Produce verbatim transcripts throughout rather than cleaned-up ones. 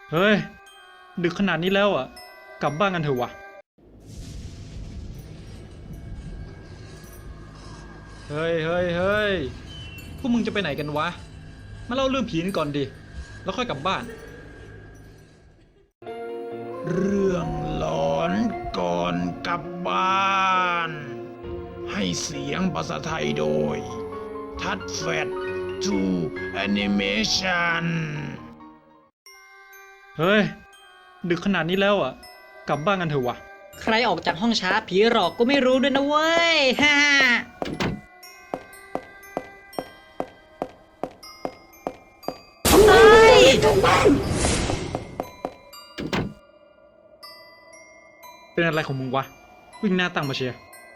เฮ้ยดึกขนาดนี้แล้วอ่ะกลับบ้านกันเถอะวะเฮ้ยเฮ้ยเฮ้ยพวกมึงจะไปไหนกันวะมาเล่าเรื่องผีกันก่อนดิแล้วค่อยกลับบ้านเรื่องหลอนก่อนกลับบ้าน ให้เสียงภาษาไทยโดย ทัดแฟดทูแอนิเมชันเฮ้ยดึกขนาดนี้แล้วอ่ะกลับบ้านกันเถอะวะใครออกจากห้องช้าผีหลอกก็ไม่รู้ด้วยนะเว้ย ฮ่าเฮ้ยเป็นอะไรของมึงวะวิ่งหน้าตั้งมาเชียร์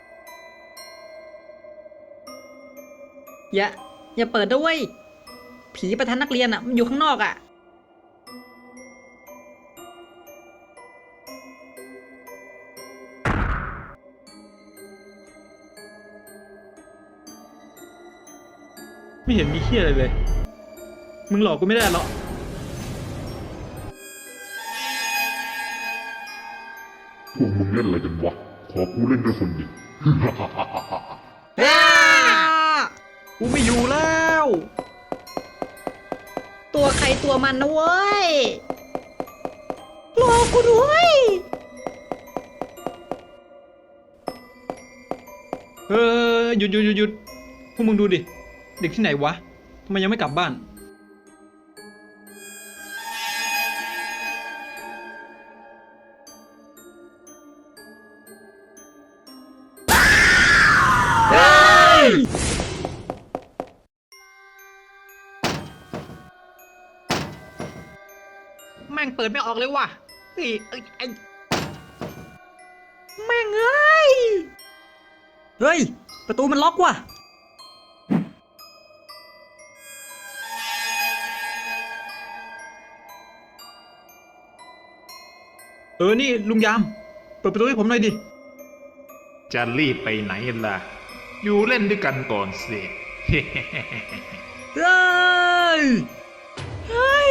อย่า อย่าเปิดด้วย ผีประธานนักเรียนอ่ะมันอยู่ข้างนอกอ่ะไม่เห็นมีเหี้ยอะไรเลยมึงหลอกกูไม่ได้หรอกพวกมึงเล่นอะไรกันวะ ขอกูเล่นด้วยคนดิกูไม่อยู่แล้วตัวใครตัวมันนะเว้ย รอกูด้วยเออหยุดหยุดหยุดหยุดพวกมึงดูดิเด็กที่ไหนวะทำไมยังไม่กลับบ้านแม่งเปิดไม่ออกเลยว่ะเฮ้ยเอ้ยไอ้แม่งเอ้ย เฮ้ย ประตูมันล็อกว่ะเออนี่ลุงยามเปิดประตูให้ผมหน่อยดิจะรีบไปไหนล่ะ อยู่เล่นด้วยกันก่อนสิเฮ้ย เฮ้ย